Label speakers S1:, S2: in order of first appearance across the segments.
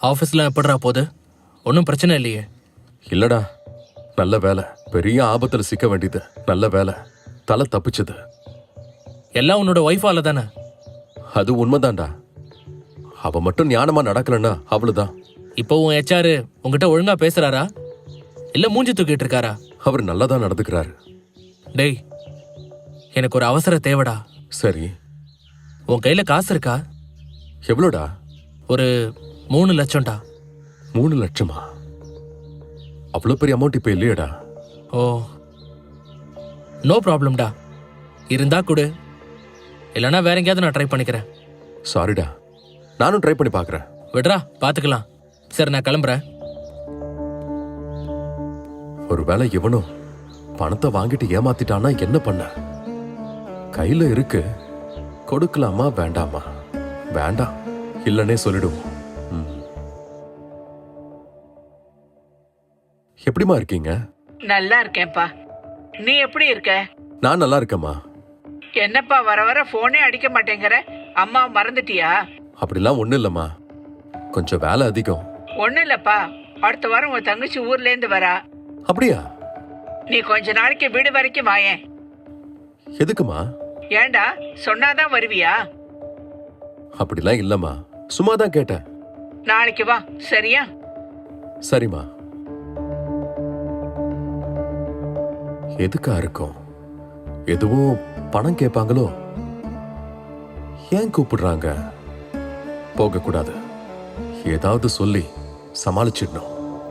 S1: ஆஃபீஸ்லாம் எப்படிடா போகுது? ஒன்றும் பிரச்சனை இல்லையே?
S2: இல்லடா, நல்ல வேலை. பெரிய ஆபத்துல சிக்க வேண்டியது. நல்ல வேலை, தலை தப்பிச்சது.
S1: எல்லாம் உன்னோட ஒய்ஃபால தானே?
S2: அது உண்மைதான்டா. அவ மட்டும் ஞானமா நடக்கலன்னா அவ்வளவுதான்.
S1: இப்போ உன் ஹெச்ஆர் உங்ககிட்ட ஒழுங்கா பேசுறாரா இல்ல மூஞ்சி தூக்கிட்டு இருக்காரா?
S2: அவர் நல்லாதான் நடந்துக்கிறாரு.
S1: டேய், எனக்கு ஒரு அவசர தேவைடா.
S2: சரி,
S1: உன் கையில காசு இருக்கா?
S2: எவ்வளோடா?
S1: ஒரு 3 லட்சம்டா.
S2: 3 லட்சமா? அவ்வளவு பெரிய அமௌண்ட் இப்ப இல்லையடா.
S1: ஓ, நோ ப்ராப்ளம்டா. இருந்தா கொடு, இல்லைன்னா வேற எங்கேயாவது நான் ட்ரை பண்ணிக்கிறேன்.
S2: சாரிடா, நானும் ட்ரை பண்ணி பாக்குறேன்.
S1: விடுறா, பாத்துக்கலாம். சரி, நான் கிளம்புறேன்.
S2: ஒருவேளை இவனும் பணத்தை வாங்கிட்டு ஏமாத்திட்டானா என்ன பண்ண? கையில இருக்கு, கொடுக்கலாமா வேண்டாமா? வேண்டாம், இல்லனே சொல்லிடுவோம். எப்படிமா இருக்கீங்க?
S3: நல்லா இருக்கேன்ப்பா. நீ எப்படி இருக்க?
S2: நான் நல்லா இருக்கேம்மா.
S3: என்னப்பா வர வர போனே அடிக்க மாட்டேங்கிற? அம்மா மறந்துட்டியா?
S2: அப்படிலாம் ஒண்ணு இல்லம்மா, கொஞ்சம் வேலை அதிகம்.
S3: ஒண்ணு இல்லப்பா, அடுத்த வாரம் உன் தங்கச்சி ஊர்ல இருந்து வரா.
S2: அப்படியா?
S3: நீ கொஞ்ச நாளைக்கு வீடு வரைக்கும் வாயேன்.
S2: எதுக்குமா?
S3: ஏண்டா, சொன்னாதான் வருவியா?
S2: அப்படிலாம் இல்லம்மா, சும்மாதான் கேட்டேன்.
S3: நாளைக்கு வா, சரியா?
S2: சரிம்மா. எதுக்கா இருக்கும்? எதுவும் பணம் கேட்பாங்களோ? ஏன் கூப்பிடுறாங்க? போக கூடாது, ஏதாவது சொல்லி சமாளிச்சிடணும்.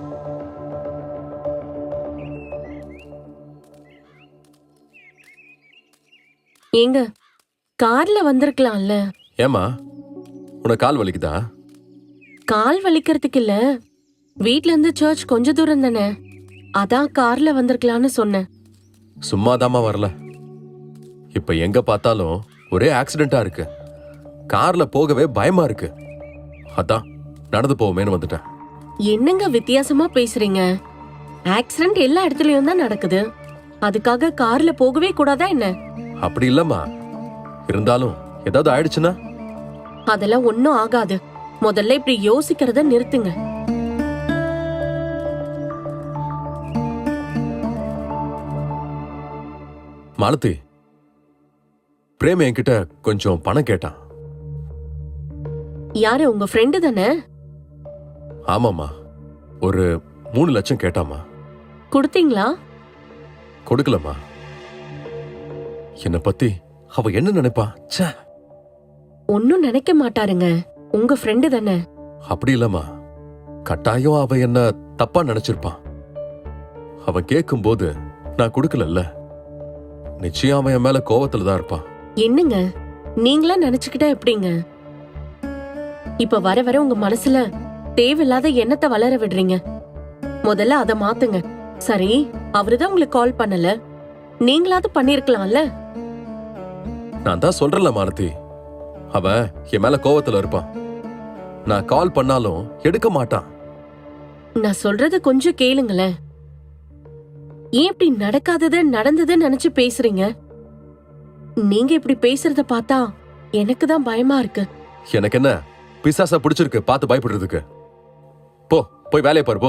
S4: ஏங்க, கார்ல வந்திருக்கலாம்ல?
S2: ஏமா, உனக்கு கால் வலிக்குதா?
S4: கால் வலிக்கிறதுக்கு இல்ல, வீட்ல இருந்து சர்ச் கொஞ்ச தூரம் தானே, அதான் கார்ல வந்திருக்கலாம்னு சொன்னேன்.
S2: சும்மாதாமா வரல. இப்ப எங்க பார்த்தாலும் ஒரே ஆக்சிடென்டா இருக்கு. கார்ல போகவே பயமா இருக்கு. அதான் நடந்து போவோமேன்னு வந்துட்டேன்.
S4: என்னங்க வித்தியாசமா பேசுறீங்க? ஆக்சிடென்ட் எல்லா இடத்துலயும் தான் நடக்குது, அதுக்காக கார்ல போகவே கூடாதா என்ன?
S2: அப்படி இல்லம்மா, இருந்தாலும் ஏதாவது ஆயிடுச்சுன்னா?
S4: அதெல்லாம் ஒன்னும் ஆகாது. முதல்ல இப்படி யோசிக்கிறத நிறுத்துங்க.
S2: மாலதி, பிரேம் என்கிட்ட கொஞ்சம் பணம் கேட்டான்.
S4: யாரு, உங்க ஃப்ரெண்டு தானே?
S2: ஆமாமா, ஒரு 3 லட்சம் கேட்டாமா.
S4: கொடுத்தீங்களா?
S2: கொடுக்கலமா. என்ன பத்தி அவ என்ன நினைப்பா? ச்சே,
S4: ஒன்னும் நினைக்க மாட்டாருங்க, உங்க ஃப்ரெண்டு தானே.
S2: அப்படி இல்லம்மா, கட்டாயம் அவ என்ன தப்பா நினைச்சிருப்பான். அவன் கேட்கும் போது நான் கொடுக்கலல்ல, நிச்சயம் அவன் என் மேல கோவத்துல தான் இருப்பான்.
S4: என்னங்க, நீங்களா நினைச்சுக்கிட்டா எப்படிங்க? இப்ப வர வர உங்க மனசுல தேவையில்லாத எண்ணத்தை வளர விடுறீங்க. முதல்ல அத மாத்துங்க. சரி, அவருதான் உங்களுக்கு கால் பண்ணல, நீங்களாவது பண்ணிருக்கலாம்ல.
S2: நான் தான் சொல்றேன்ல மாலதி, அவன் என் மேல கோவத்துல இருப்பான். நான் கால் பண்ணாலும் எடுக்க மாட்டான்.
S4: நான் சொல்றத கொஞ்சம் கேளுங்களேன். ஏன் இப்படி நடக்காதது நடந்ததுன்னு நினைச்சு பேசுறீங்க? நீங்க இப்படி பேசுறத பார்த்தா எனக்கு தான் பயமா இருக்கு.
S2: எனக்கு என்ன பிசாசா பிடிச்சிருக்கு பார்த்து பயப்படுறதுக்கு? போ, போய் வேலையை பாரு, போ.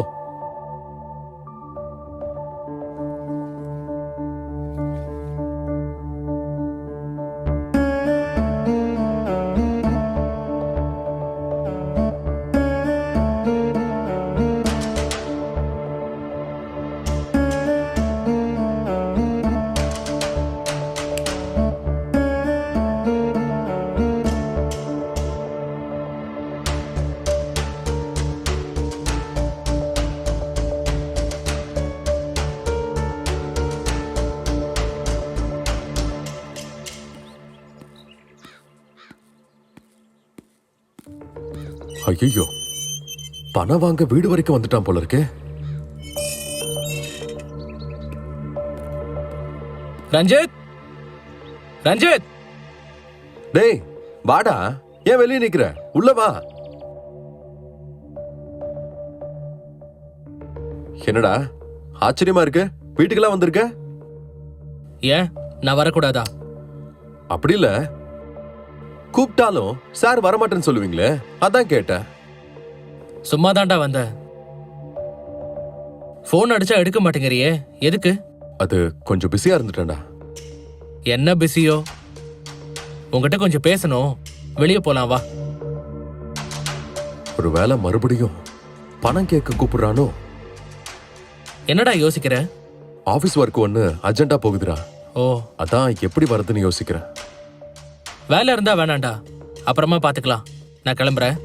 S2: ஐயோ, பணம் வாங்க வீடு வரைக்கும் வந்துட்டான் போல இருக்கே.
S1: ரஞ்சித், ரஞ்சித்,
S2: டேய் வாடா, ஏன் வெளியே நிக்கிற? உள்ள வா. என்னடா ஆச்சரியமா இருக்கு, வீட்டுக்கெல்லாம் வந்திருக்க?
S1: ஏன் நான் வரக்கூடாதா?
S2: அப்படி இல்ல, கூப்பிட்டாலும் சார் வரமாட்டேன்னு சொல்லுவீங்களே, அதான் கேட்டேன்.
S1: சும்மா தான்டா வந்த. ஃபோன் அடிச்சா எடுக்க மாட்டேங்கிறியே, எதுக்கு?
S2: அது கொஞ்சம் பிஸியா இருந்துட்டேன்டா.
S1: என்ன பிஸியோ? உங்ககிட்ட கொஞ்சம் பேசணும், வெளியே போலாம் வா.
S2: ஒரு வேளை மறுபடியும் பணம் கேட்க கூப்பிடுறானோ?
S1: என்னடா யோசிக்கிற?
S2: ஆபீஸ் ஒர்க் ஒன்னு அர்ஜென்ட்டா போகுதுடா.
S1: ஓ,
S2: அதான் எப்படி வரதுன்னு யோசிக்கிறேன்.
S1: வேலை இருந்தா வேணாண்டா, அப்புறமா பாத்துக்கலாம். நான் கிளம்புறேன்.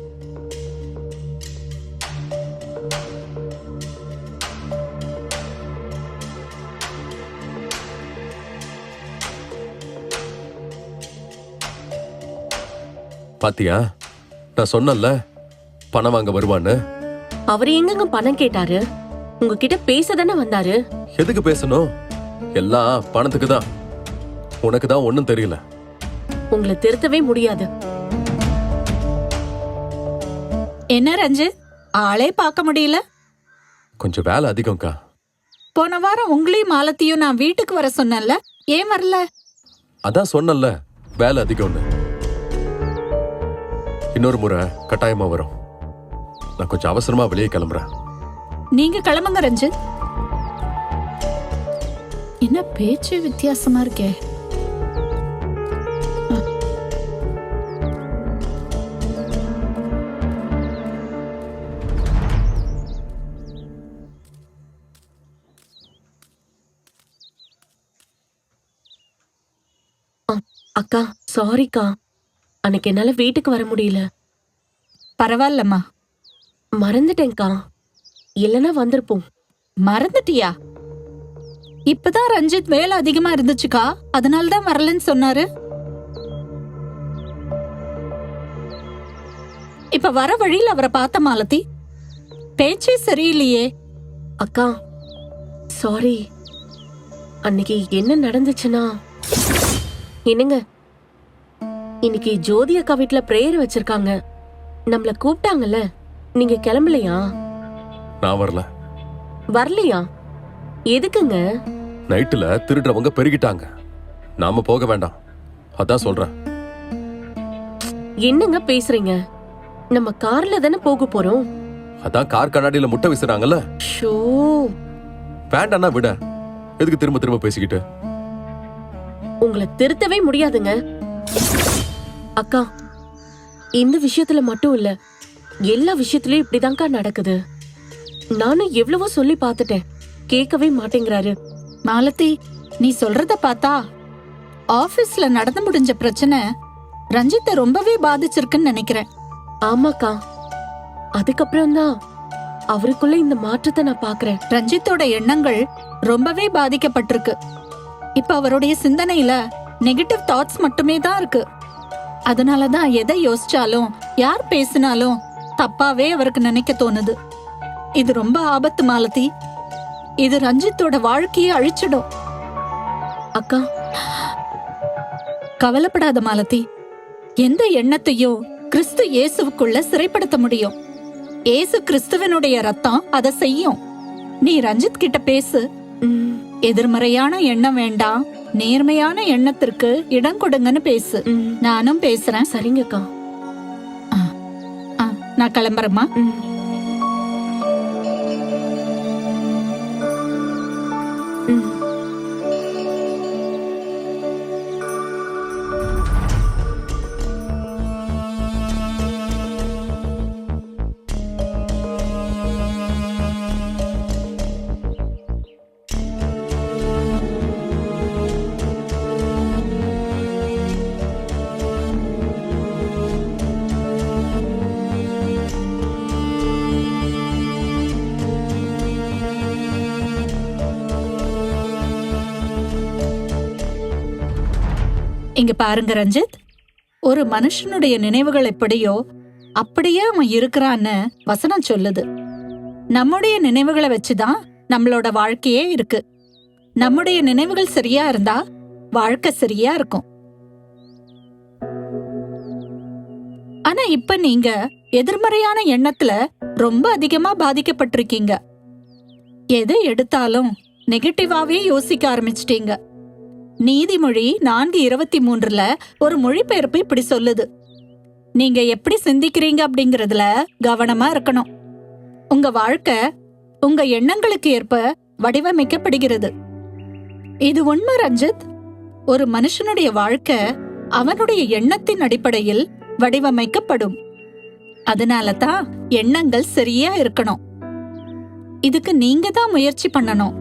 S2: பாத்தியா, நான் சொன்னேன்ல பணம் வாங்க வருவான்னு.
S4: அவர் எங்கங்க பணம் கேட்டாரு? உங்ககிட்ட பேச தானே வந்தாரு.
S2: எதுக்கு பேசணும்? எல்லாம் பணத்துக்கு தான். உனக்கு தான் ஒண்ணும் தெரியல.
S4: உங்களை திருத்தவே முடியாது.
S5: என்ன ரஞ்சித், ஆளே பார்க்க முடியல?
S2: கொஞ்சம் வேலை அதிகம்க்கா.
S5: போன வாரம் உங்களையும் மாலத்தையும் நான் வீட்டுக்கு வர சொன்னேன்ல, ஏன் வரல?
S2: அதான் சொன்னேன்ல வேலை அதிகம்னு. இன்னொரு முறை கட்டாயமா வரும். நான் கொஞ்சம் அவசரமா வெளியே கிளம்புறேன்.
S5: நீங்க கிளம்புங்க ரஞ்சித். என்ன பேச்சு வித்தியாசமா இருக்கே.
S4: அக்கா சாரிக்கா, அன்னைக்கு என்னால வீட்டுக்கு வர முடியல.
S5: பரவாயில்லம்மா.
S4: மறந்துட்டேன்க்கா, இல்லைன்னா வந்திருப்போம்.
S5: மறந்துட்டியா? இப்பதான் ரஞ்சித் வேலை அதிகமா இருந்துச்சுக்கா, அதனாலதான் வரலன்னு சொன்னாரு. இப்ப வர வழியில் அவரை பார்த்த மாலதி, பேச்சே சரியில்லையே.
S4: அக்கா சாரி, அன்னைக்கு என்ன நடந்துச்சுன்னா, என்னங்க இன்னைக்கு ஜோதி அக்கா வீட்ல பிரேயர் வச்சிருக்காங்க. நம்மள கூப்பிட்டாங்கல்ல, நீங்க கிளம்பலையா?
S2: நான் வரல.
S4: வரலையா? எதுக்குங்க?
S2: நைட்டுல திருடுறவங்க பெருகிட்டாங்க, நாம போக வேண்டாம். அதான் சொல்றேன்.
S4: என்னங்க பேசுறீங்க? நம்ம கார்ல தானே போக போறோம்.
S2: அதான் கார் கண்ணாடியில முட்டை வீசுறாங்கல்ல.
S4: ஷோ,
S2: வேண்டாம்னா விட, எதுக்கு திரும்ப திரும்ப பேசிக்கிட்டு?
S4: உங்களை திருத்தவே முடியாதுங்க. அக்கா, இந்த விஷயத்துல மட்டும் இல்ல, எல்லா விஷயத்திலயும் இப்படிதான்க்கா நடக்குது. நானும் எவ்வளவோ சொல்லி பார்த்துட்டேன், கேட்கவே மாட்டேங்கிறாரு.
S5: மாலதி, நீ சொல்றத பார்த்தா ஆபீஸ்ல நடந்து முடிஞ்ச பிரச்சனை ரஞ்சித்தை ரொம்பவே பாதிச்சிருக்குன்னு நினைக்கிறேன்.
S4: ஆமாக்கா, அதுக்கப்புறம் தான் அவருக்குள்ள இந்த மாற்றத்தை நான் பாக்குறேன்.
S5: ரஞ்சித்தோட எண்ணங்கள் ரொம்பவே பாதிக்கப்பட்டிருக்கு. இப்ப அவருடைய சிந்தனையில நெகட்டிவ் தாட்ஸ் மட்டுமே தான் இருக்கு. அதனாலதான் எதை யோசிச்சாலும் யார் பேசினாலும் தப்பாவே அவருக்கு நினைக்க தோணுது. இது ரொம்ப ஆபத்து மாலதி. இது ரஞ்சித்தோட வாழ்க்கையை அழிச்சிடும்.
S4: அக்கா
S5: கவலைப்படாத மாலதி. எந்த எண்ணத்தையும் கிறிஸ்து இயேசுவுக்குள்ள சிறைப்படுத்த முடியும். இயேசு கிறிஸ்துவனுடைய ரத்தம் அதை செய்யும். நீ ரஞ்சித் கிட்ட பேசு. எதிர்மறையான எண்ணம் வேண்டாம், நேர்மையான எண்ணத்திற்கு இடம் கொடுங்கன்னு பேசு. நானும் பேசுறேன்.
S4: சரிங்கக்கா.
S5: நான் கிளம்புறேம்மா. இங்க பாருங்க ரஞ்சித், ஒரு மனுஷனுடைய நினைவுகள் எப்படியோ அப்படியே அவன் இருக்கிறான்னு வசனம் சொல்லுது. நம்முடைய நினைவுகளை வச்சுதான் நம்மளோட வாழ்க்கையே இருக்கு. நம்முடைய நினைவுகள் சரியா இருந்தா வாழ்க்கை சரியா இருக்கும். ஆனா இப்ப நீங்க எதிர்மறையான எண்ணத்துல ரொம்ப அதிகமா பாதிக்கப்பட்டிருக்கீங்க. எதை எடுத்தாலும் நெகட்டிவாவே யோசிக்க ஆரம்பிச்சிட்டீங்க. நீதிமொழி 4:23 ஒரு மொழிபெயர்ப்பு இப்படி சொல்லுது, நீங்க எப்படி சிந்திக்கிறீங்க அப்படிங்கறதுல கவனமா இருக்கணும். உங்க வாழ்க்கை உங்க எண்ணங்களுக்கு ஏற்ப வடிவமைக்கப்படுகிறது. இது உண்மை ரஞ்சித். ஒரு மனுஷனுடைய வாழ்க்கை அவனுடைய எண்ணத்தின் அடிப்படையில் வடிவமைக்கப்படும். அதனால தான் எண்ணங்கள் சரியா இருக்கணும். இதுக்கு நீங்க தான் முயற்சி பண்ணணும்.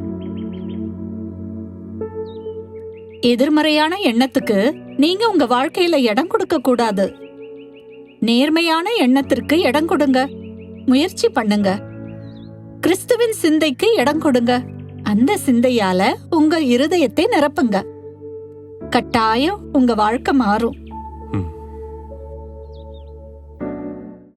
S5: எதிர்மறையான எண்ணத்துக்கு நீங்க உங்க வாழ்க்கையில இடம் கொடுக்க கூடாது. நேர்மையான எண்ணத்திற்கு இடம் கொடுங்க. முயற்சி பண்ணுங்க. கிறிஸ்துவின் சிந்தைக்கு இடம் கொடுங்க. அந்த சிந்தையால உங்க இருதயத்தை நிரப்புங்க. கட்டாயம் உங்க வாழ்க்கை மாறும்.